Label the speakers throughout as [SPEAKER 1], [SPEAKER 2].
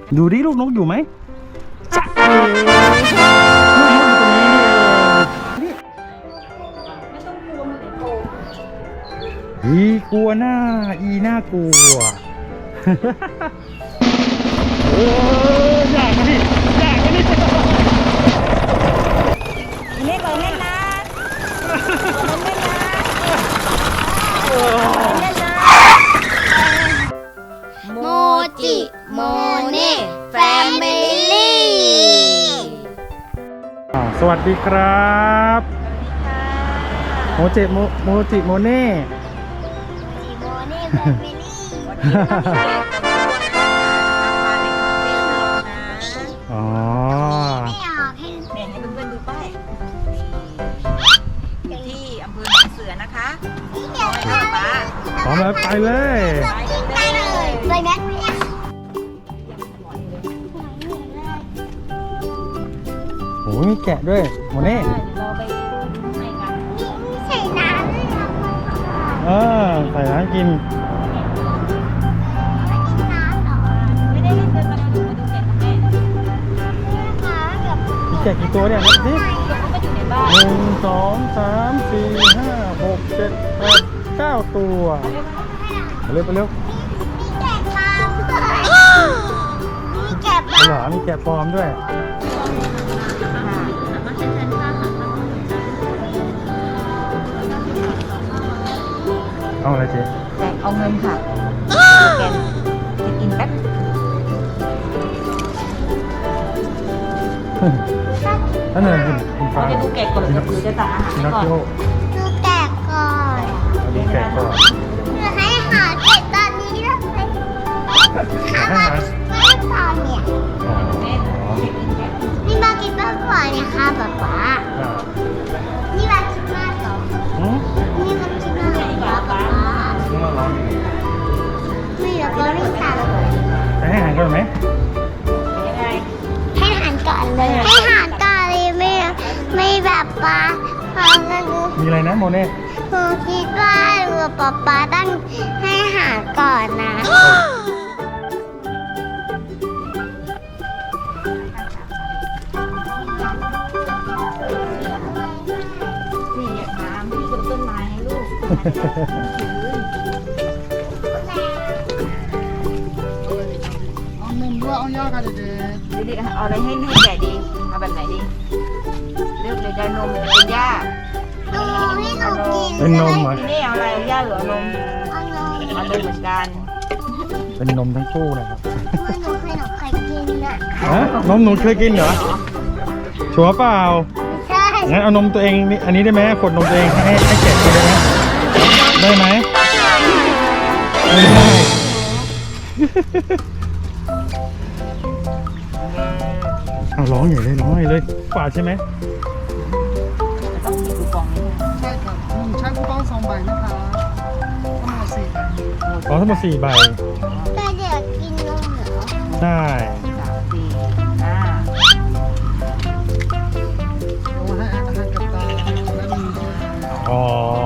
[SPEAKER 1] ดูดิลูกนกอยู่ไหมจ๊ะอีกลัวหน้าน่ากลัวอยากนะพี่อยากนะพี่
[SPEAKER 2] เล่นก่อนเล่นนะเล่นนะโมจิโมเน่แฟมิลี่
[SPEAKER 1] สวัสดีครับโมจิโมเน่
[SPEAKER 2] จิโมเน่แฟมิลี่
[SPEAKER 1] อ๋อ
[SPEAKER 2] ไม่ออกให้เพื่อนๆดูป้ายที่อำเภอหนองเสือนะคะป้า
[SPEAKER 1] พร้อมแล้วไปเลย
[SPEAKER 2] ไปเลยไปแม็กซ์
[SPEAKER 1] โอ้ยมีแกะด้วยโมเน่
[SPEAKER 2] เราไปให้กันใส่น้ำด้วยครับ
[SPEAKER 1] ใส่น้ำกิน
[SPEAKER 2] ไม่ได้เล่นเดินมาดูแกะกับแม่
[SPEAKER 1] มีแกะกี่ตัวเนี่ยนับดิ
[SPEAKER 2] ก็อยู่ในบ้าน
[SPEAKER 1] 1 2 3 4 5 6 7 8 9 ตัวไปเร็วไปเร็ว
[SPEAKER 2] มีแกะปลอม
[SPEAKER 1] เหรอมีแกะปลอมด้วยเอาอะไรเจ๊
[SPEAKER 2] แจกเอาเงินค่ะแกนจะกินแป๊บ
[SPEAKER 1] นั่นเลยคุณฟ้า
[SPEAKER 2] จะดูแกะก่อนหรือจะสั่งอาหารก่อน
[SPEAKER 1] ดู
[SPEAKER 2] แกะก่อน
[SPEAKER 1] ดูแกะก่อน
[SPEAKER 2] ให้หาแกะตอนนี้เลยไม่ตอนเนี่ยนี่มากินบ้างก่อนเนี่ยค่ะป๊าป๊านี่มากินมากเหรอนี่มากินมากเหรอป๊าไม่แล้วก็รีบตาม
[SPEAKER 1] ให้อาหารก่อนไหม
[SPEAKER 2] ยังไงให้อาหารก่อนเลยให้อาหารก่อนเลยไม่แบบป๊า
[SPEAKER 1] มีอะไรนะโมเน่
[SPEAKER 2] หนูคิดว่าป๊าต้องให้อาหารก่อนนะนี่อยากน้ำที่บนต้นไม้ให้ลูก
[SPEAKER 3] เอานมด้วยเอาย่ากันเด็ก
[SPEAKER 2] ดีๆเอาอะไรให้แก่ดีเอาแบบไหนดีเลือกเลยจะนมจะเป็นหญ้าให้หนูกิน
[SPEAKER 1] เป็นนมเหรอ
[SPEAKER 2] นี่เอาอะไรหญ้าหรือนมเอานมเหมือนกัน
[SPEAKER 1] เป็นนมทั้งคู่นะครับ
[SPEAKER 2] หนูเคยกินนะ
[SPEAKER 1] นมหนูเคยกินเหรอชัวร์เปล่า
[SPEAKER 2] ใช่
[SPEAKER 1] งั้นเอานมตัวเองนี่อันนี้ได้ไหมขวดนมตัวเองให้แกะกินได้ไหมไม่ได้เอาร้องใหญ่เลยร้องใหญ่เลยกว่าใช่ไหม
[SPEAKER 2] ต้องมีคูปองนี่
[SPEAKER 3] ใช่ครับใช้คูปอง2 ใบนะคะทั้งหมด4 ใบ
[SPEAKER 1] ทั้งหมด4 ใบ
[SPEAKER 2] แต่เด็กกินนมเหรอ
[SPEAKER 1] ใช่
[SPEAKER 2] 3 4 5
[SPEAKER 3] เอาให้อาหารกับตาและมี
[SPEAKER 1] อ๋อ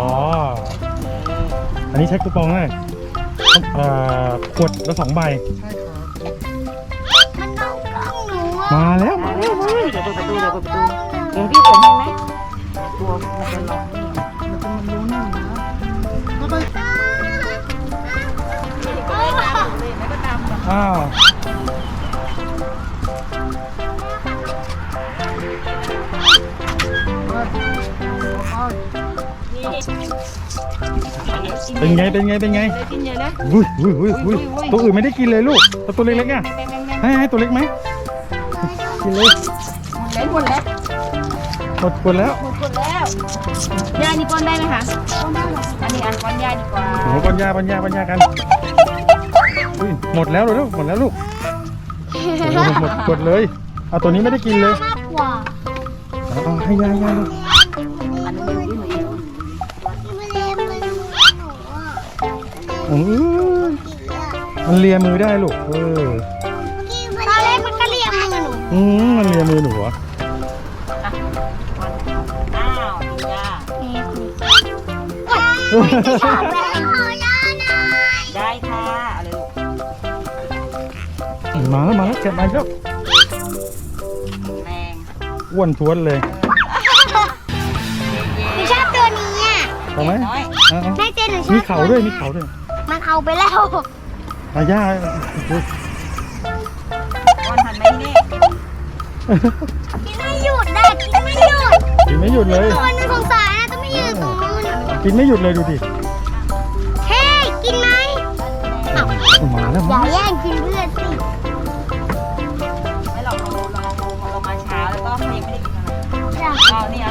[SPEAKER 1] อันนี้ใช้คูปองเลยขวดละ2 ใบ
[SPEAKER 3] ใช่ครับ
[SPEAKER 2] มันต้องกล้องหนู
[SPEAKER 1] มาแล้ว
[SPEAKER 2] เดี๋ยวเปิดประตูเดี๋ยวพี่เปิดให้ไหมกลัวมันจะร้องนี่
[SPEAKER 3] มันจะมันรู้หน่อยนะแล้วไป
[SPEAKER 1] อ้าวเป็นไง
[SPEAKER 2] กินเยอะนะ
[SPEAKER 1] อุ้ยตัวอื่นไม่ได้กินเลยลูกตัวเล็กๆอ่ะให้ตัวเล็กไหมกินเลย
[SPEAKER 2] หมดแล้ว
[SPEAKER 1] หมดแล้ว
[SPEAKER 2] ยานี่ป้อนได้ไหมคะป้อนได้หรออันนี้ป้อนยาดีกว่า
[SPEAKER 1] โอ้ปัญญากันหมดแล้วลูกหมดเลยเอาตัวนี้ไม่ได้กินเลยเอาให้ยาลูกมันเลียมือได้ลูก
[SPEAKER 2] ตอนแรกมันก็เลียมือหนู
[SPEAKER 1] มันเลียมือหนูเหรอ
[SPEAKER 2] อ้าวดีจ้าได้ค่ะอะไรลูก
[SPEAKER 1] มาแล้วแกะมาแล้ว
[SPEAKER 2] แรง
[SPEAKER 1] อ้วนท้วนเลย
[SPEAKER 4] หนูชอบตัวนี้อ่ะ
[SPEAKER 1] เอาไหม
[SPEAKER 2] น้อย
[SPEAKER 1] เอา
[SPEAKER 4] แม่เจนหนูชอบ
[SPEAKER 1] มีเขาด้วยมีเขาด้วย
[SPEAKER 4] มันเอาไปแล้ว
[SPEAKER 1] อาย่า
[SPEAKER 2] ก้อนทันไหมนี่
[SPEAKER 4] กินไม่หยุดนะกินไม่หยุด
[SPEAKER 1] กินไม่หยุดเลย
[SPEAKER 4] ตัวนึงสงสารนะต้องไม่ยืนตรงนู้น
[SPEAKER 1] กินไม่หยุดเลยดูดิ
[SPEAKER 4] เฮ้ยกินไหม
[SPEAKER 1] มาแล้ว
[SPEAKER 4] อย่าแย่งกินเพื่อนสิ
[SPEAKER 2] ไม่หรอกเรามาเช้าแล้วก็ยังไม่ได้กินอะไร
[SPEAKER 4] อยาก
[SPEAKER 2] เอาเนี่ย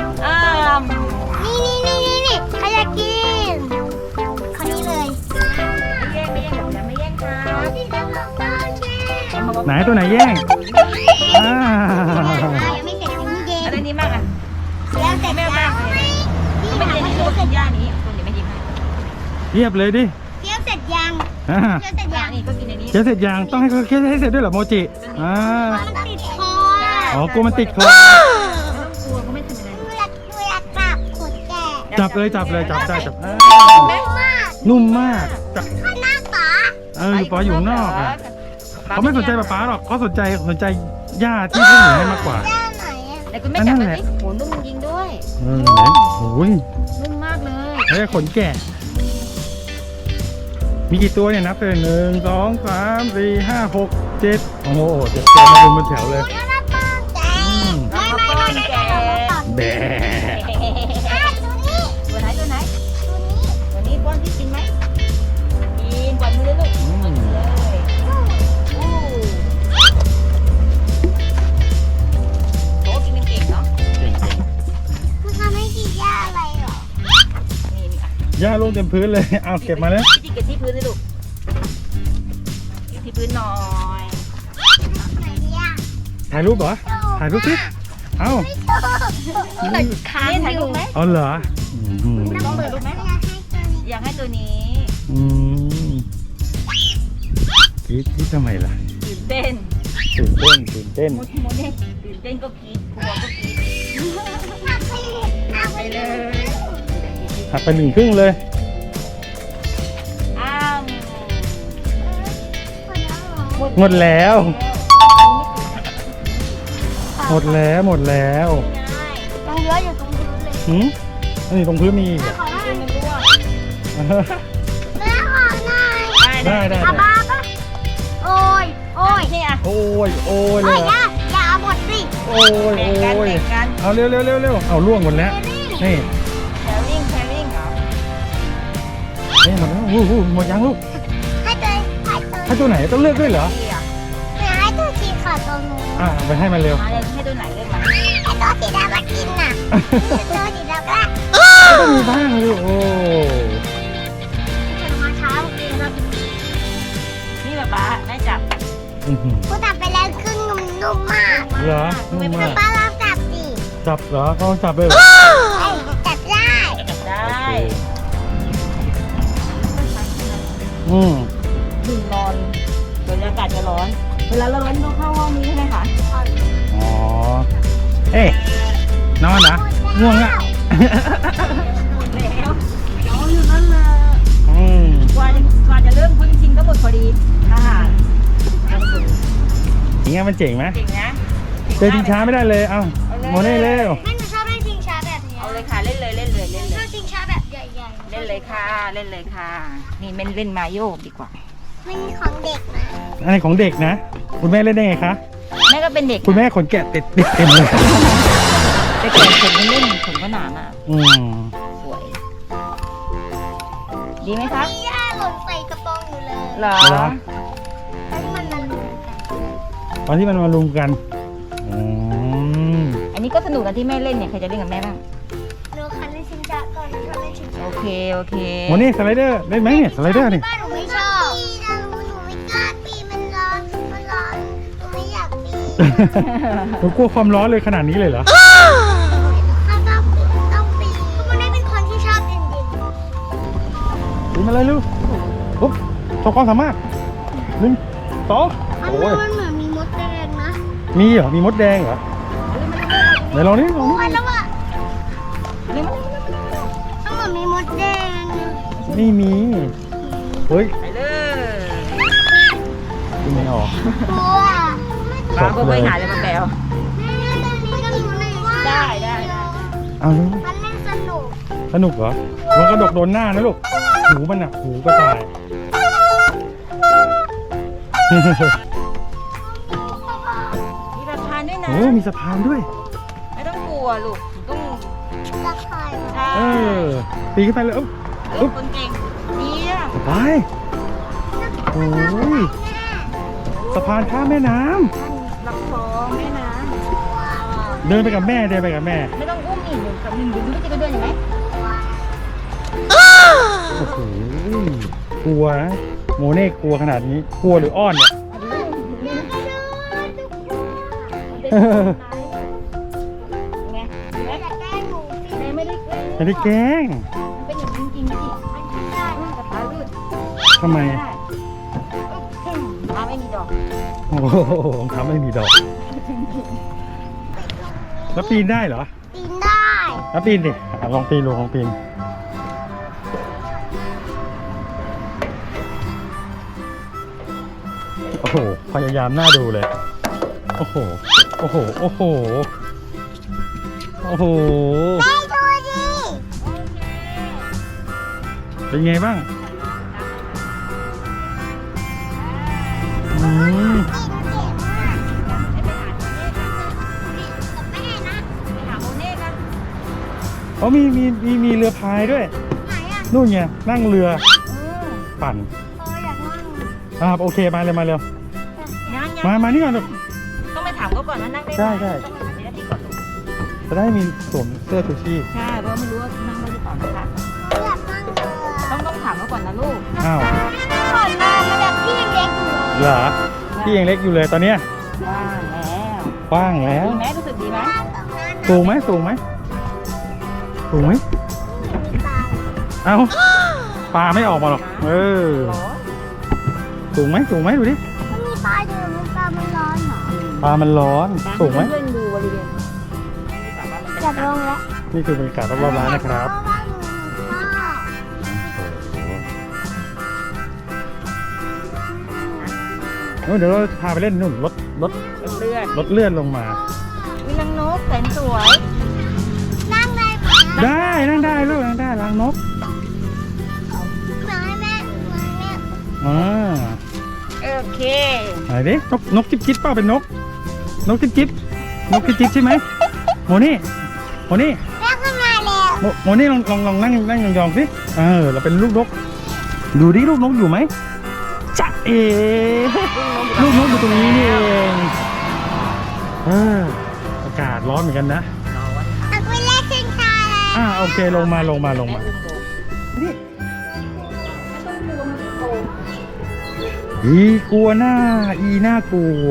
[SPEAKER 4] นี่ใครอยากกินคนนี้เลย
[SPEAKER 2] ไม่แย่งแบบนี้ไม่แย่งค่ะ
[SPEAKER 4] ที่จะลงบ้านแม่
[SPEAKER 1] ไหนตัวไหนแย่งอ่า
[SPEAKER 4] ยังไม่เสร็จยังไม่เย็น
[SPEAKER 2] อะไรนี้มากอ่ะ
[SPEAKER 4] แล้วเสร็จยังไม่
[SPEAKER 2] ไม่เย็นที่ตัวกินย่านี้ตัวนี้ไม่ยิ้มให้
[SPEAKER 1] เรียบเลยดิ
[SPEAKER 4] เคี้ยวเสร็จยัง
[SPEAKER 1] อ่า
[SPEAKER 4] เคี้ยวเสร็จยัง
[SPEAKER 2] นี่ก็กินในนี้
[SPEAKER 1] เคี้ยวเสร็จยังต้องให้เขาเคี้ยวให้เสร็จด้วยเหรอโมจิอ่า
[SPEAKER 4] มันติดคอ
[SPEAKER 1] อ๋อกลัวมันติดคอ
[SPEAKER 2] ไม่ต้องกลัวเขาไม่ทำอะไร
[SPEAKER 4] ดูอยากกลับขนแก่
[SPEAKER 1] จับเลยจับได้จับอ่า
[SPEAKER 4] แม่มาก
[SPEAKER 1] นุ่มมากจับ
[SPEAKER 4] ข้างหน้าป๋า
[SPEAKER 1] อยู่ข้างนอกอ่ะเขาไม่สนใจป๊าหรอกเขาสนใจย่าที่พวกหนูให้มากกว่า
[SPEAKER 4] ด้านไหนอ่ะ
[SPEAKER 2] แต่คุณแม่จับแบบนี้โหนุ่มจริงด้วย
[SPEAKER 1] เห็นโอ้ย
[SPEAKER 2] นุ่มมากเลย
[SPEAKER 1] เฮ้ยขนแกะมีกี่ตัวเนี่ยนับเลย1 2 3 4 5 6 7โอ้โห7ตัวมาเป็นแถวเลย
[SPEAKER 4] ดูหน้าป้าแกไม่แก
[SPEAKER 1] แบะ
[SPEAKER 4] ตัวนี้
[SPEAKER 2] ตัวไหน
[SPEAKER 4] ตัวนี้
[SPEAKER 2] ตัวนี้ก้อนที่กินไหมกินกวาดมือเลยลูกเลยโอ้กินเก่งเนาะ
[SPEAKER 4] มันทำให้กินยาอะไรหรอ
[SPEAKER 2] นี่อ่ะ
[SPEAKER 1] ย่าลงเต็มพื้นเลยเอาเก็บมาเลย
[SPEAKER 2] พี่จิกเก็บที่พื้นเลยลูกเก็บที่พื้นหน่อย
[SPEAKER 4] ไหนดีอ่ะ
[SPEAKER 1] ถ่ายรูปเหรอถ่ายรูปสิเอ้า
[SPEAKER 4] ไม่ชอบค้าง
[SPEAKER 2] นี่ถ่าย
[SPEAKER 4] อ
[SPEAKER 2] รู
[SPEAKER 4] ยู่
[SPEAKER 2] ปไหม
[SPEAKER 1] เอาเหรออืม
[SPEAKER 2] ต้องเลยรูปไหม
[SPEAKER 4] อยากให้ตัวนี้
[SPEAKER 2] อยากให้ตัวนี้
[SPEAKER 1] อืมคิดทำไมล่ะ
[SPEAKER 2] ตื่นเต้น
[SPEAKER 1] ตื่นเต้น
[SPEAKER 2] โมนี่ตื่นเต้นก็กรี๊ดกลัวก็กรี๊ด
[SPEAKER 4] เอาไป
[SPEAKER 2] ไปเลย
[SPEAKER 1] หักไป1 ครึ่งเลย
[SPEAKER 2] อ้าว
[SPEAKER 1] หมดแล้วหมดแล้ว
[SPEAKER 4] ยังเยอะอยู่ตรงพื้นเลย
[SPEAKER 1] หืมอันนี้ตรงพื้นมีอีกเหรอ
[SPEAKER 4] ขอได้
[SPEAKER 2] มันร่วง
[SPEAKER 4] แม่ขอหน่อย
[SPEAKER 1] ได้
[SPEAKER 4] อาบ้าปะโอ้ย โอ้ย
[SPEAKER 2] นี่อ่ะ
[SPEAKER 1] โอ้ยเล
[SPEAKER 4] โอ้
[SPEAKER 1] ย
[SPEAKER 4] ยอย่าเอาหมดสิ
[SPEAKER 1] โอ้ย
[SPEAKER 2] แบ่งกันแบ่งกัน
[SPEAKER 1] เอาเร็วเอาล่วงหมดแล้วนี่
[SPEAKER 2] แชร์ริ่งเหรอ
[SPEAKER 1] นี่หมดแล้วหมดยังลูก
[SPEAKER 4] ให้ตัว
[SPEAKER 1] ให้ตัวไหนต้องเลือกด้วยเหรอ
[SPEAKER 2] ดีอ่ะ
[SPEAKER 4] ให้ตัวสีขาวตรงนู้น
[SPEAKER 1] เอาไปให้มันเร็ว
[SPEAKER 2] มาเลยให้ตัวไหนเลือกมา
[SPEAKER 4] ให้ตัวสีดำมากินน่ะตัวสีดำก็
[SPEAKER 1] ก็ต้องมีบ้างเลยโอ้
[SPEAKER 4] ฉันมาเช้ากินแล้ว
[SPEAKER 2] นี่ป๊าแม่จับ
[SPEAKER 1] อื้อหือ
[SPEAKER 4] กูตัดไปแล้วครึ่งนุ่มมาก
[SPEAKER 1] เหรอนุ่มมาก
[SPEAKER 4] ป้าลองจับสิ
[SPEAKER 1] จับเหรอเขาจับเลยเหรอ
[SPEAKER 4] จับได้
[SPEAKER 2] จับได้
[SPEAKER 1] อืม
[SPEAKER 2] ถึงนอนเดี๋ยวอากาศจะร้อน เวลาเราร้อนต้องเข้าห้องนี้ใช่ไหมคะ
[SPEAKER 1] อ๋อเอ๊ะนอนนะง่วงอ่ะ
[SPEAKER 2] หมดแล้วอ๋ออยู่นั่นเลย
[SPEAKER 1] อืม
[SPEAKER 2] กว่าจะเริ่มคุ้นชินก็หมดพอดีอาหาร
[SPEAKER 1] อย่างเงี้ยมันเจ๋งไหม
[SPEAKER 2] เก่งนะ
[SPEAKER 1] เจอทิ้งช้าไม่ได้เลยเอ้าโมเน่เร็ว
[SPEAKER 4] แม่หนูชอบเล่นชิงช้าแบบนี้
[SPEAKER 2] เอาเลยค่ะเล่นเลย
[SPEAKER 4] ชอบชิงช้าแบบใหญ่
[SPEAKER 2] เล่นเลยค่ะ นี่เม่นเล่นมาโยกดีกว่า
[SPEAKER 4] ๆมันของเด็กนะ
[SPEAKER 1] อันนี้ของเด็กนะ คุณแม่เล่นได้ไงคะ
[SPEAKER 2] แม่ก็เป็นเด็ก
[SPEAKER 1] คุณแม่ขนแกะติดเต็มเลย
[SPEAKER 2] แต่ก่อนผมไม่เล่นผมก็หนามาก
[SPEAKER 1] อืม
[SPEAKER 2] สวย ดีไหมครับ
[SPEAKER 4] มีย่าหล่นใส่กระโปรงอยู่เลย
[SPEAKER 2] เหรอ
[SPEAKER 1] เหรอ
[SPEAKER 4] แล้วมันมาลุมกัน
[SPEAKER 1] ตอนที่มันมารุมกันอืม
[SPEAKER 2] อันนี้ก็สนุกนะที่แม่เล่นเนี่ยใครจะเล่นกับแม่บ้าง
[SPEAKER 4] หนูคันเล่นชิงช้าก่อนหนูชอบเล่นชิงช้า
[SPEAKER 2] โอเค
[SPEAKER 1] โมเน่สไลเดอร์เล่นไหมเนี่ยสไลเดอร์นี่
[SPEAKER 4] บ้านหนูไม่ชอบปีนะหนูไม่กล้าปีมันร้อนหนูไม่อยากปี
[SPEAKER 1] หนูกลัวความร้อนเลยขนาดนี้เลยเหรอ
[SPEAKER 4] ถ้าต้องปีมันได้เป็นคนที่ชอบเย็น
[SPEAKER 1] ปีมาเลยลูกปุ๊บโชว์ความสามารถ1 2
[SPEAKER 4] ๆมัน
[SPEAKER 1] โอ้ย
[SPEAKER 4] เหมือนมีมดแดงนะ
[SPEAKER 1] มีเหรอมีมดแดงเหรอไหนลองนี่ลอง
[SPEAKER 4] มัน
[SPEAKER 1] นี่
[SPEAKER 4] แล้วอ่ะ
[SPEAKER 2] เล่น
[SPEAKER 4] มันเหมือนมีมดแดง
[SPEAKER 1] ไม่มีเฮ้ย
[SPEAKER 2] ไปเลย
[SPEAKER 1] มไม่ออก
[SPEAKER 4] กลัว
[SPEAKER 2] ป้าก็ไปหาเลยมาแปลว
[SPEAKER 4] แม่ตรงนี้ก็อยู่ในว่า
[SPEAKER 2] ได้
[SPEAKER 1] เอาลูก
[SPEAKER 4] มันเล่นสนุก
[SPEAKER 1] สนุกเหรอมันกระดกโดนหน้านะลูกหูมันอ่ะหูก็ตาย
[SPEAKER 2] มีสะพานด้วยนะ
[SPEAKER 1] โอ้มีสะพานด้วย
[SPEAKER 2] ไม่ต้องกลัวลูกต้อง
[SPEAKER 4] ตะไคร้
[SPEAKER 2] ใช่
[SPEAKER 1] เออปีนขึ้นไปเลย
[SPEAKER 2] ลูกคนเก่งเนี่ย
[SPEAKER 1] ไปโอ้ยสะพานข้ามแม่น้ำ
[SPEAKER 2] ลำคลองแม่น้
[SPEAKER 1] เดินไปกับแม่
[SPEAKER 2] ำไม่ต้องอุ้มอีกหนึ่งกับหนึ่งไม่จะไปเดินอย่างไหม
[SPEAKER 1] โอ้โหกลัวนะโมเน่กลัวขนาดนี้กลัวหรืออ้อนเนี่ย
[SPEAKER 2] ไง
[SPEAKER 4] จะแกล้งหนูสิ
[SPEAKER 2] ไม่ได้แกล้ง
[SPEAKER 1] ไม่ได้แกล้ง
[SPEAKER 2] มันเป็นอย่างจริงๆนี่กระต่ายลื่น
[SPEAKER 1] ทำไม
[SPEAKER 2] น้ำไม่มีดอก
[SPEAKER 1] โอ้โหทำไม่มีดอกแล้วปีนได้เหรอ
[SPEAKER 4] ปีนได้
[SPEAKER 1] แล้วปีนดิลองปีนลองปีนโอ้โหพยายามน่าดูเลยโอ้โหโอ้โหโอ้โหโอ้โห
[SPEAKER 4] แม่ดูดิ
[SPEAKER 1] เป็นไงบ้างอืม
[SPEAKER 4] กินเก่งมากกับแม่นะ
[SPEAKER 2] ไปหาโมเน่กัน
[SPEAKER 1] อ๋อมีเรือพายด้วย
[SPEAKER 4] ไหนอ่ะ
[SPEAKER 1] นู่นไงนั่งเรือปั่น
[SPEAKER 4] อยากนั่ง
[SPEAKER 1] โอเคมาเลยมาเร็ว
[SPEAKER 2] ยัง
[SPEAKER 1] มานี่ก่อนลูก
[SPEAKER 2] ต้องไปถามเขาก่อนว่านั่งได้ไหม
[SPEAKER 1] ใช่
[SPEAKER 2] ต้องไปถามเจ้าหน้าที่ก่อนลูก
[SPEAKER 1] จะได้มีสวมเสื้อชูชีพ
[SPEAKER 2] ใช่เพราะไม่รู้ว่านั่งได้หรือเปล่านะคะ
[SPEAKER 4] อยากนั่งเรือ
[SPEAKER 2] ต้องถามเขาก่อนนะลูก
[SPEAKER 1] อ้าว
[SPEAKER 4] ก่อนมามันแบบที่ยังเล็กอยู่เลย
[SPEAKER 1] เหรอพี่ยังเล็กอยู่เลยตอนเนี้ย
[SPEAKER 2] ว่างแล้ว
[SPEAKER 1] กว้างแล้ว
[SPEAKER 2] ดีไหมรู้สึกดีไหม
[SPEAKER 1] สูงไหมสูงไหมสูงไหมเอ้าปลาไม่ออกมาหรอกเออ
[SPEAKER 2] ร้อน
[SPEAKER 1] สูงไหมดูดิ
[SPEAKER 4] มันมีปลาอยู่มันปลามันร้อนเหรอ
[SPEAKER 1] ปลามันร้อนสูงไหม
[SPEAKER 2] เพื่อนๆดูบริเวณสามารถมัน
[SPEAKER 4] อยากลงแล้ว
[SPEAKER 1] นี่คือบรรยากาศรอบๆร้านนะครับ
[SPEAKER 4] เพราะว่าหนูชอบ
[SPEAKER 1] โอ้โหเดี๋ยวเราพาไปเล่นนู่นรถ
[SPEAKER 2] เป็นเลือด
[SPEAKER 1] รถเลื่อนลงมา
[SPEAKER 2] วิลังนกแสนสวย
[SPEAKER 4] นั่งได้ไหม
[SPEAKER 1] ได้นั่งได้ลูกนั่งได้ล้างนก
[SPEAKER 4] เหมือนให้แม่เหมือนแม่
[SPEAKER 1] อ่า
[SPEAKER 2] โอเค
[SPEAKER 1] ไหนดินกจิ๊บจิ๊บเปล่าเป็นนกจิ๊บจิ๊บใช่ไหมโมนี่
[SPEAKER 4] แม่ขึ้นมาแล้ว
[SPEAKER 1] โมนี่ลองนั่งยองๆสิเราเป็นลูกนกดูดิลูกนกอยู่ไหมจ๊ะเอลูกนกอยู่ตรงนี้นี่เองอากาศร้อนเหมือนกันนะ
[SPEAKER 4] เอาไปเล่นขึ้นคาแล้ว
[SPEAKER 1] โอเคลงมานี่กลัวหน้าน่ากลัว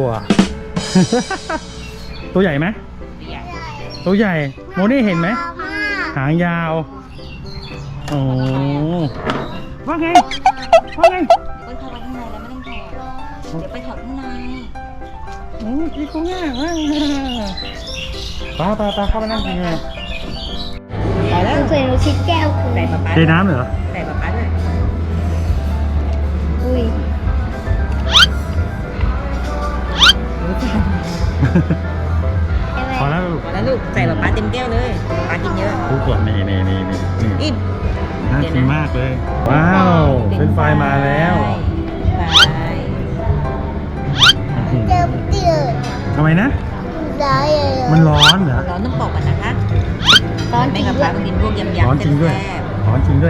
[SPEAKER 1] ตัวใหญ่ไหมตัวใหญ่โมนี่เห็นไหมหางยาวโอ้ว่าไง
[SPEAKER 2] เดี๋ยวเข้าไปข้างในแล้วไม่ต้องถอดเดี๋ยวไปถอดข้างใน
[SPEAKER 1] อีกง่ายป้าเข้ามานั่งกินไง
[SPEAKER 2] ไปแล้ว
[SPEAKER 4] เคยรู้ชิดแก้วคือ
[SPEAKER 2] ใส่ปลาปลา
[SPEAKER 1] เทน้ำเหรอ
[SPEAKER 2] ใส่ปลาปลาด้วย
[SPEAKER 4] อุ้ย
[SPEAKER 1] พอแล้วลูก
[SPEAKER 2] พอแล้วลูกใส่ปลาปลาเต็มแก้วเลยปลากินเยอะ
[SPEAKER 1] ดูก่อนนี่
[SPEAKER 2] อิ่ม
[SPEAKER 1] น่ากินมากเลย ว้าวเป็นไฟมาแล้ว
[SPEAKER 2] ไป
[SPEAKER 4] เจิมเดือด
[SPEAKER 1] ทำไมนะ
[SPEAKER 4] ร้อยเลย
[SPEAKER 1] มันร้อนเหรอ
[SPEAKER 2] ร้อนต้องปอกกันนะคะไม่กับปลากินพวกยำ
[SPEAKER 1] ร้อน
[SPEAKER 2] ๆ
[SPEAKER 1] จริงด้วย
[SPEAKER 2] แซ่บ
[SPEAKER 1] ร้อนจริงด้วย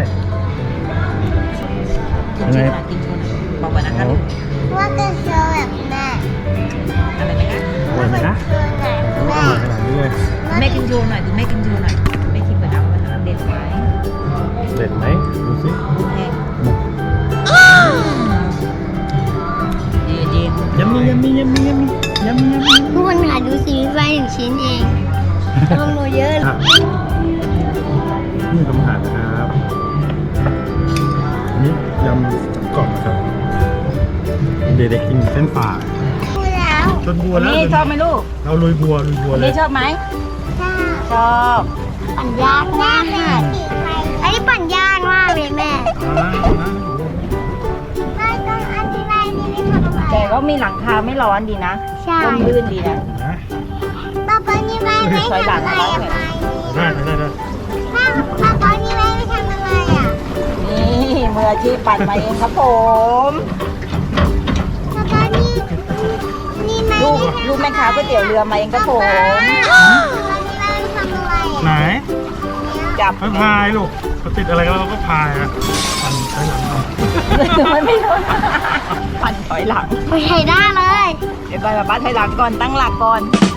[SPEAKER 2] กินโชว์หน่อยกินโชว์หน่อยบอกกันนะคะลูก
[SPEAKER 4] ว่าจะโชว์แบบแม่
[SPEAKER 2] อะไรไหมคะ
[SPEAKER 1] อร่อยไหมนะ
[SPEAKER 4] โชว์แบบ
[SPEAKER 1] อ
[SPEAKER 4] แม่
[SPEAKER 1] ร่อยขนาดนี้เลย
[SPEAKER 2] แม่กินโชว์หน่อยดูแม่กินโชว์หน่อยแม่คิดเหมือนเอามันเด็ดไหม
[SPEAKER 1] เด็ดไหมดูสิ
[SPEAKER 2] ดูแห้งดี
[SPEAKER 1] ยำมี
[SPEAKER 4] ทุกคนหาดูซีรีส์ไฟหนึ่งชิ้นเองต้องโนเยอะ
[SPEAKER 1] นี่ทำอาหารนะครับอันนี้ยำกรอบครับเด็กๆกินเส้นฝา
[SPEAKER 4] ดูแล้ว
[SPEAKER 1] จนบัวแล้ว
[SPEAKER 2] นี่ชอบไหมลูก
[SPEAKER 1] เราลุยบัวเล
[SPEAKER 2] นี่
[SPEAKER 1] ย
[SPEAKER 2] ชอบไหม
[SPEAKER 4] ถ้า
[SPEAKER 2] ชอบ
[SPEAKER 4] ปั่นยากมากอันนี้ปั่นยากมากเลยแม่
[SPEAKER 1] อ่า
[SPEAKER 4] ไม่ต้องอธิบายนี่ไม่ทำอะไร
[SPEAKER 2] แต่ก็เขามีหลังคาไม่ร้อนดีนะ
[SPEAKER 4] ใช่
[SPEAKER 2] ร่มรื่นดีนะ
[SPEAKER 1] นะ
[SPEAKER 4] ป้าป้านี่ไม่ทำอะไรอ่ะ
[SPEAKER 1] ได้
[SPEAKER 4] ป้าป้านี่ไม่ทำอะไรอ่ะ
[SPEAKER 2] นี่มืออาชีพปั่นมาเองครับผม
[SPEAKER 4] ป้าป้านี่ไม่
[SPEAKER 2] ลูกแม่ค้าก๋วยเตี๋ยวเรือมาเองครับผม
[SPEAKER 4] ป้านี่ไม่ทำอะไรอ่ะ
[SPEAKER 1] ไหน
[SPEAKER 2] จับ
[SPEAKER 1] ไม่พายลูกเขาติดอะไรก็เราก็พายอะปั่นไปหลังเอา
[SPEAKER 2] มันไม่รู้ปั่นถอยหลัง
[SPEAKER 4] ไม่ใช่ได้เลย
[SPEAKER 2] เดี๋ยวก่อนป้าถอยหลังก่อนตั้งหลักก่อน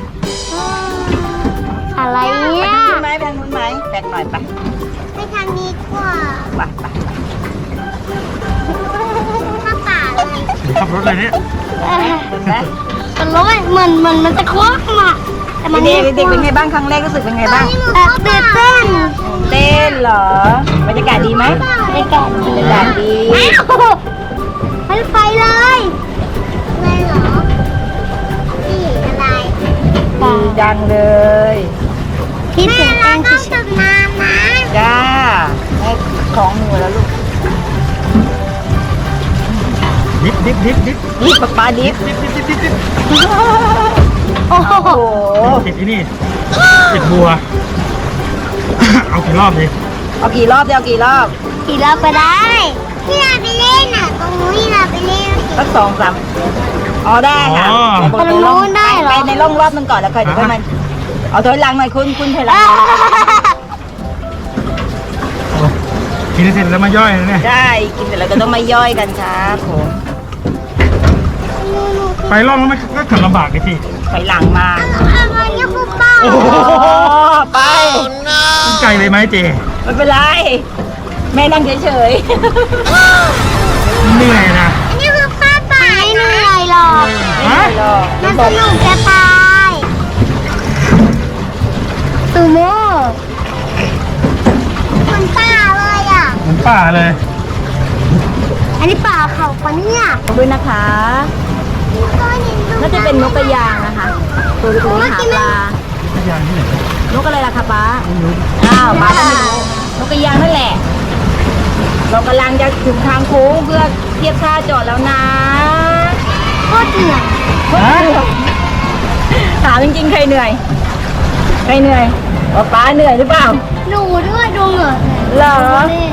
[SPEAKER 4] อะไร
[SPEAKER 2] ไป
[SPEAKER 4] เนี่ย
[SPEAKER 2] ทางนู้นไหมไปทางนู้นไหมแบกหน่อยไป
[SPEAKER 4] ไปทางนี้ดีกว่า
[SPEAKER 2] ไป
[SPEAKER 4] ข้าป่าเลย
[SPEAKER 1] ขับรถอะไรเนี่ย
[SPEAKER 2] เห็นไหม
[SPEAKER 4] มันร้อนเหมือนมันจะควักมาแต่มัน
[SPEAKER 2] เด็กๆเป็นไงบ้างครั้งแรกรู้สึกเป็นไงบ้าง
[SPEAKER 4] ตื่นเต้น
[SPEAKER 2] เต้นเหรอบรรยากาศดีไหม
[SPEAKER 4] บรรยากาศ
[SPEAKER 2] บรรยากาศดี
[SPEAKER 4] มันไปเลยอะไรเหรอนี่อะไร
[SPEAKER 2] ดีจังเลย
[SPEAKER 4] คิดถึงการต้องจุดน้ำนะ
[SPEAKER 2] จ้าให้ของหนูแล้วลูก
[SPEAKER 1] ดิบ
[SPEAKER 2] นี่ป๊าดิฟ
[SPEAKER 4] โอ้โห
[SPEAKER 2] โอ้โห
[SPEAKER 1] ติดที่นี่ติดบัว เอากี่รอบดิ
[SPEAKER 2] เอากี่รอบเดียวกี่รอบ
[SPEAKER 4] ขี่เราไปได้ที่เราไปเล่นอ่ะตรงนู้นที่เราไปเล่น
[SPEAKER 2] สัก2-3อ๋อได้ค่ะ
[SPEAKER 4] ตรงนู้นได้เหรอ
[SPEAKER 2] ไปในร่องรอบนึงก่อนแล้วค่อยเดี๋ยวค่อยมันเอาถอยหลังหน่อยคุณถอยหลัง
[SPEAKER 1] กินเสร็จแล้วมาย่อยนะเนี่ย
[SPEAKER 2] ได้กินเสร็จแล้วก็ต้องมาย่อยกันครับผม
[SPEAKER 1] ไปรอบแล้วมันก็ขับลำบากดิพี่
[SPEAKER 2] ถอยหลังมา
[SPEAKER 4] อะไรเนี่ยคุณป้า
[SPEAKER 1] โอ้โห
[SPEAKER 2] ไป
[SPEAKER 1] ไกลเลยไหมเจ
[SPEAKER 2] ไม่เป็นไรแม่นั่งเฉย
[SPEAKER 1] เหนื่อยนะ
[SPEAKER 4] อันนี้คือป้าป่าไม่เหนื่อยหรอก
[SPEAKER 2] ๆไม่เป็นไรหรอก
[SPEAKER 4] มันสนุกจะตายตูโม่เหมือนป่าเลยอ่ะ
[SPEAKER 1] เหมือนป่าเลย
[SPEAKER 4] อันนี้ป่าเขาปะเนี่ย
[SPEAKER 2] ขอบคุณนะคะน่าจะเป็นนกกระยางนะคะตัวเล็กๆหาปลา
[SPEAKER 1] พยานที่ไหน
[SPEAKER 2] นกอะไรล่ะคะป้า
[SPEAKER 1] ไม่รู้
[SPEAKER 2] อ้าวป้าก็ไม่รู้นกกระยางนั่นแหละ เรากำลังจะถึงทางโค้งเพื่อเทียบท่าจอดแล้วนะ
[SPEAKER 4] โคตรเหนื่อย
[SPEAKER 2] ถามจริงๆใครเหนื่อยใครเหนื่อยป้าเหนื่อยหรือเปล่า
[SPEAKER 4] หนูด้วยดูเหงื่อ
[SPEAKER 2] เหรอ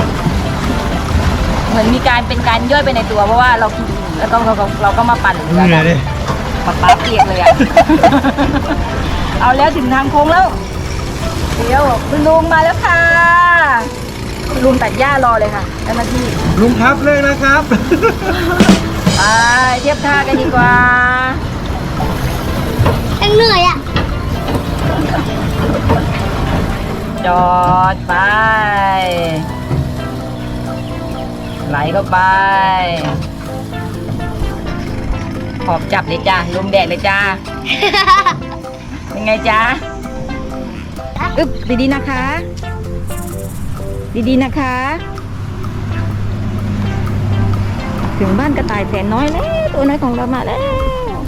[SPEAKER 2] เหมือนมีการเป็นการย่อยไปในตัวเพราะว่าเรากินแล้วก็เราก็มาปั่น
[SPEAKER 1] เหนื่อยดิ
[SPEAKER 2] ป้าเปียกเลยอ่ะ เอาแล้วถึงทางโค้งแล้วเดี๋ยวคุณลุงมาแล้วค่ะคุณลุงตัดหญ้ารอเลยค่ะเจ้าหน้าที่
[SPEAKER 1] ลุงครับเลิกแล้วครับ
[SPEAKER 2] ไปเทียบท่ากันดีกว่า
[SPEAKER 4] ยังเหนื่อยอ่ะ
[SPEAKER 2] จอดไป ไหลเข้าไปขอบจับเลยจ้าลมแดดเลยจ้า เป็นไงจ้าอึ๊บดีๆนะคะ ดีๆนะคะ ถึงบ้านกระต่ายแสนน้อยแล้วตัวน้อยของเรามาแล้ว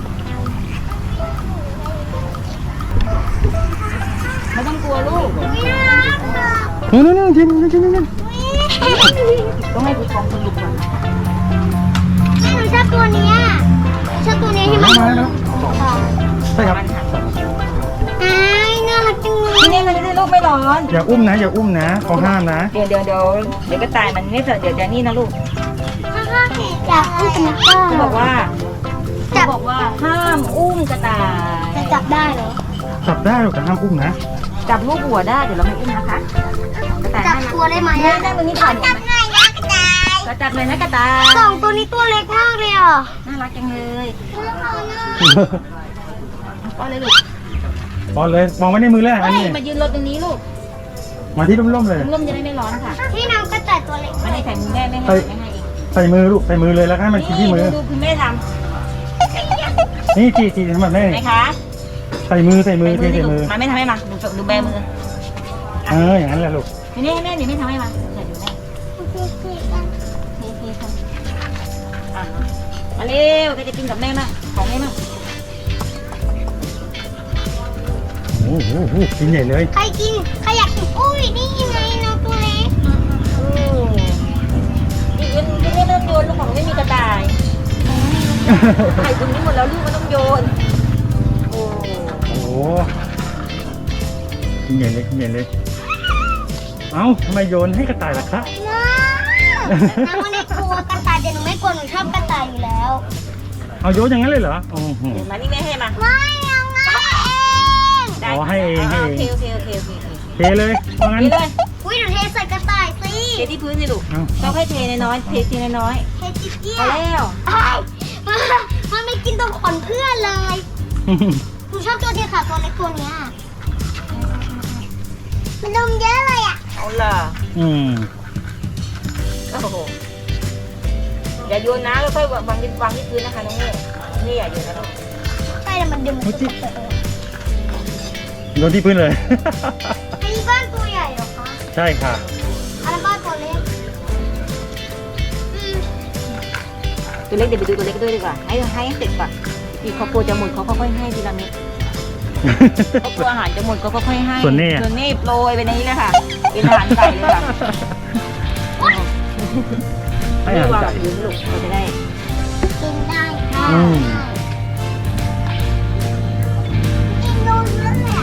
[SPEAKER 2] ไม่ต้องกลัวลูก
[SPEAKER 1] นู่นๆๆกิน
[SPEAKER 2] ต้องให้ผู้ชมสนุกก่อน
[SPEAKER 4] หนูชอบตัวเนี้ยชอบตัวนี้ที่มัน
[SPEAKER 1] มาแล้วใช่ครับ
[SPEAKER 4] อ้ายน่ารักจังเลย
[SPEAKER 2] ที่นี่มันจะได้ลูกไม่ร้อน
[SPEAKER 1] อย่าอุ้มนะเขาห้ามนะ
[SPEAKER 2] เดี๋ยวกระต่ายมันไม่เสร็จเดี๋ยวนี่นะลูก
[SPEAKER 4] อยากอุ้มนะป้า
[SPEAKER 2] เขาบอกว่าห้ามอุ้มกระต่าย
[SPEAKER 4] จะจับได้เหรอ
[SPEAKER 1] จับได้หรอกแต่ห้ามอุ้มนะ
[SPEAKER 2] จับลูกหัวได้เดี๋ยวเราไม่อุ้มนะคะกระต่าย
[SPEAKER 4] จับ
[SPEAKER 2] น่ารัก
[SPEAKER 4] ตัวได้ไหม
[SPEAKER 2] แม่
[SPEAKER 4] อะ
[SPEAKER 2] นั่งตรงนี้ถ่ายหนู
[SPEAKER 4] จับ
[SPEAKER 2] ไหม
[SPEAKER 4] หน่อยนะกระต่าย
[SPEAKER 2] ก็จับเลยนะกระต่าย
[SPEAKER 4] สองตัวนี้ตัวเล็กมากเลยอ่ะ
[SPEAKER 2] น่ารักจังเลยป้อนเลยลูก
[SPEAKER 1] บอลเลยมองไว้ในมือเลยอัน
[SPEAKER 2] เฮ้ย
[SPEAKER 1] นี้
[SPEAKER 2] มายืนรถตรงนี้ลูก
[SPEAKER 1] มาที่ร่มๆเลย
[SPEAKER 2] ร่มจะได้ไม่ร้อนค่ะ
[SPEAKER 4] ที่น้องกระต่ายตัวเล็ก
[SPEAKER 2] ไม่ได้ใส่มือแม่ไม่ให้ไม่ให้อีก
[SPEAKER 1] ใส่มือลูกใส่มือเลยแล้วให้มันกินที่มือ
[SPEAKER 2] ดูคุณแม่ท
[SPEAKER 1] นี่จีทำแบบนี้
[SPEAKER 2] ำไหมคะ
[SPEAKER 1] ใส่มือใส่มือ
[SPEAKER 2] ใส่
[SPEAKER 1] ใส่
[SPEAKER 2] มื
[SPEAKER 1] มื
[SPEAKER 2] อ
[SPEAKER 1] อ
[SPEAKER 2] มาไม่ทำให้มาดูแบมือ
[SPEAKER 1] อย่างนั้นแหละลูก
[SPEAKER 2] นี่แม่เดี๋ยวแม่ทำให้มาใส่ดูแม่นี่ค่ะมาเร็วก็จะกินกับแม่มากของแม่มาก
[SPEAKER 1] โอ้โหกินใหญ่เลย
[SPEAKER 4] ใครกินใครอยากกินอุ้ยนี่ไงน้องตัวเล็ก
[SPEAKER 2] อีกวันที่ไม่เริ่มโยนลูกของไม่มีกระต่าย
[SPEAKER 4] ก
[SPEAKER 2] ไข่ตรงนี้หมดแล้วลูกมันต้องโยนโอ้
[SPEAKER 1] โอ้โหกินใหญ่เลยกินใหญ่เลยเอ้าทำไมโยนให้กระต่ายล่ะครับ
[SPEAKER 4] น้ำมันไม่กลัวกระต่ายแต่หนูไม่กลัวหนูชอบกระต่ายอยู่แล้ว
[SPEAKER 1] เอาโยนอย่างนั้นเลยเหรอโอ้โห
[SPEAKER 2] เดี๋ยวมานี่แม่ให้มา
[SPEAKER 4] ไม่เอาไง
[SPEAKER 2] ได้
[SPEAKER 1] อ๋อให้เองให้เอง
[SPEAKER 2] โอเค
[SPEAKER 1] เทเลยว่างั้น
[SPEAKER 2] นี่เลย
[SPEAKER 4] อุ้ยหนูเทใส่กระต่ายสิ
[SPEAKER 2] เทที่พื้นสิลูก
[SPEAKER 1] เอา
[SPEAKER 2] ต้องให้เทน้อยๆเททีน้อย
[SPEAKER 4] เทจิ๊กเจี๊
[SPEAKER 2] ๆ
[SPEAKER 4] ย
[SPEAKER 2] พอแล้ว
[SPEAKER 4] มันไม่กินตรงขนเพื่อนเลยหนูชอบตัวที่ขาตัวเล็กตัวเนี้ยมันดมเยอะเลยอ่ะ
[SPEAKER 2] เอาล่ะ
[SPEAKER 1] อืม
[SPEAKER 2] โอ้โหอย่าโยนนะแล้วค่อยวางที่พื้นนะคะน้องเมย์นี่อย่าโยนนะลูก
[SPEAKER 4] ใช่แต่มันดึงมันจะตก
[SPEAKER 1] โยนที่พื้นเลย
[SPEAKER 4] อันนี้บ้านตัวใหญ่เหรอคะ
[SPEAKER 1] ใช่ค่ะ
[SPEAKER 4] อันนั้นบ้านตัวเล็ก
[SPEAKER 2] ตัวเล็กเดี๋ยวไปดูตัวเล็กด้วยดีกว่าให้เสร็จก่อนอีกเขากลัวจะหมดเขาค่อยๆให้ทีละเม็ดเขากลัวอาหารจะหมดเขาก็ค่อยให้
[SPEAKER 1] ส่วนนี้อะ
[SPEAKER 2] ส่วนนี้โปรยไปในนี้เลยค่ะเป็นอาหารไก่เลยค่ะ
[SPEAKER 1] ให้อาหารไก่
[SPEAKER 2] พื้นลูกเราจะได้
[SPEAKER 4] กินได้ค่ะ
[SPEAKER 1] อืม
[SPEAKER 4] กินดูเยอะเลยอ่ะ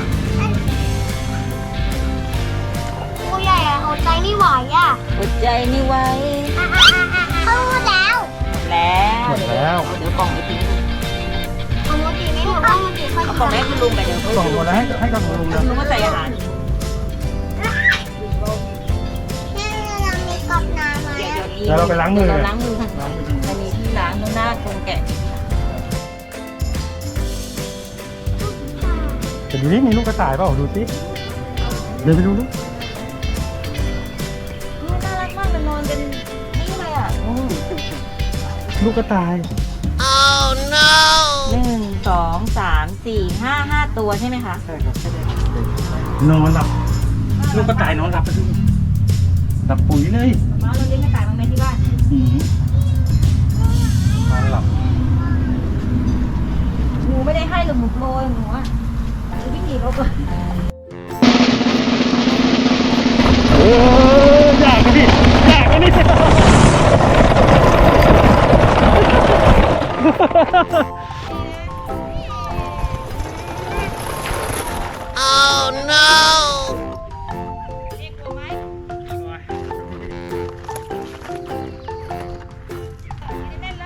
[SPEAKER 4] ตัวใหญ่อะเอาใจไม่ไหวอ่ะ
[SPEAKER 2] อดใจนี่ไว้
[SPEAKER 4] เขารู้แล้ว
[SPEAKER 2] หมดแล้วเดี๋ยวกล่องไปทิ้ง
[SPEAKER 4] เอาโมจิไม่หมดเอาโมจิค่อย
[SPEAKER 2] เอากล่องให้คุณลุงไปเดี๋ยว
[SPEAKER 1] กล่องหมดแล้วให้กล่องลุงนะ
[SPEAKER 2] คุณลุงก็ใส่อาหาร
[SPEAKER 4] เนี่ยเรามีกรอบน้ำไหม
[SPEAKER 1] แล้วเราไปล้างมือ
[SPEAKER 2] เราล้างมือค่ะมันมีที่ล้างตรงหน้าตรงแกะ
[SPEAKER 1] แต่ดูนี่มีลูกกระต่ายเปล่าดูสิเดินไปดูลูก
[SPEAKER 2] น่ารักมากมันนอนเป็นนี่เลยอ่ะ
[SPEAKER 1] ลูกกระต่าย
[SPEAKER 2] 1 2 3 4 5 ตัวใช่ไหมคะ
[SPEAKER 1] ใช่ครับนอนหลับลูกกระต่ายนอนหลับไปดูหลับปุ๋ยเลย
[SPEAKER 2] มาเราเลี้ยงกระต่ายมาไหมที่บ้าน
[SPEAKER 1] อืมนอนหลับ
[SPEAKER 2] หนูไม่ได้ให้หรอกหนูโปรยหนูอ่ะคือวิธีเขาเปิด
[SPEAKER 1] โอ้ยยากกันดิยากกันดิ
[SPEAKER 2] เรียกกลัวไหมเล่นเลย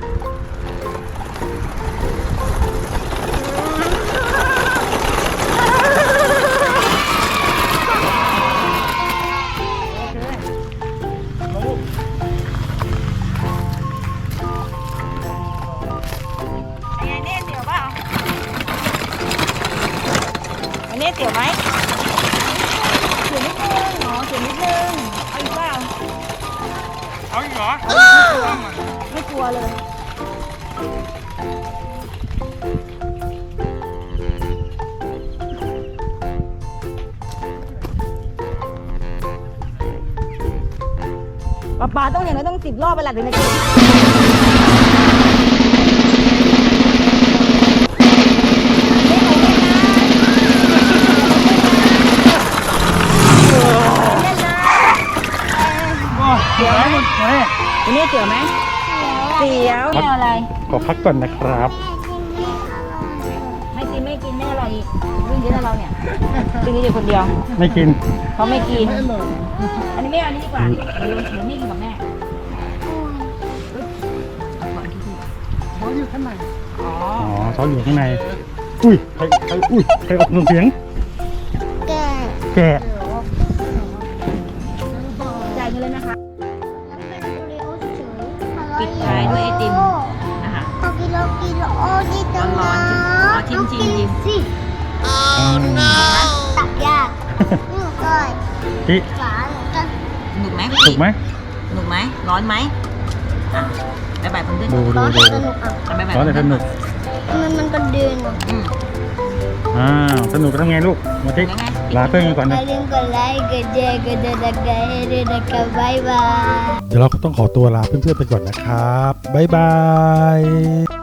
[SPEAKER 2] เป็นไงเน่เตี๋ยวเปล่าอันนี้เตี๋ยวไหมเตี๋ยวนิดนึงเหรอเตี๋ยวนิดนึงเอาอีกเปล่า
[SPEAKER 1] เอาอีกเหรอ
[SPEAKER 2] ไม่กลัวเลย ป๊าต้องอย่างน้อยต้อง10 รอบไปหลักถึงจะกินเดี๋ยวไหม อันนี้เตี๋ยวไหมเตี๋ยวไม่เอาอะไร
[SPEAKER 1] ขอพักก่อนนะครับ
[SPEAKER 2] ไม่กินแม่อะไรอีกเรื่องเยอะนะเราเนี่ยเรื่องนี้อยู่คนเดียว
[SPEAKER 1] ไม่กิน
[SPEAKER 2] เขาไม่กิน อันนี้ไม่เอาอันนี้ดีกว่าเดี๋ยวไม่กินกับแม่
[SPEAKER 3] เขาอยู่ข้างใน
[SPEAKER 2] อ๋อ
[SPEAKER 1] อ๋อเขาอยู่ข้างใน อุ้ยใครอุ้ยใครออกเสียง
[SPEAKER 4] แก
[SPEAKER 1] แกะ
[SPEAKER 2] จ่ายเงินเลยนะคะ
[SPEAKER 4] เป็นโอรีโอเฉย
[SPEAKER 2] ปิดท้ายด้วยไอติมนะคะ
[SPEAKER 4] เอากิโลโอดีจัง
[SPEAKER 2] ร้อนๆเอาชิมๆ
[SPEAKER 4] สิ ตักยากนี่ก้อย
[SPEAKER 1] พี่
[SPEAKER 4] ฝาหนูก็
[SPEAKER 2] สนุกไหม
[SPEAKER 1] ถูกไหม
[SPEAKER 2] สนุกไหมร้อนไหมอ่ะบายบายเพื่อนๆ
[SPEAKER 1] ดู
[SPEAKER 4] ร้อน
[SPEAKER 1] ดู
[SPEAKER 4] แต่สนุกอ่ะ
[SPEAKER 2] บายบาย
[SPEAKER 1] ร้อนแต่สนุก
[SPEAKER 4] มันกระเด็นอ่ะ
[SPEAKER 2] อืม
[SPEAKER 1] สนุกทำไงลูก มาทิ
[SPEAKER 2] ยังไง
[SPEAKER 1] ลาเพื่อนกันก่อน
[SPEAKER 4] อย่า
[SPEAKER 1] นะ
[SPEAKER 4] ลืมกดไลค์กดแชร์กดติดตามให้ด้วยนะคะบ๊ายบาย
[SPEAKER 1] เดี๋ยวเราก็ต้องขอตัวลาเพื่อนๆไปก่อนนะครับ บ๊ายบาย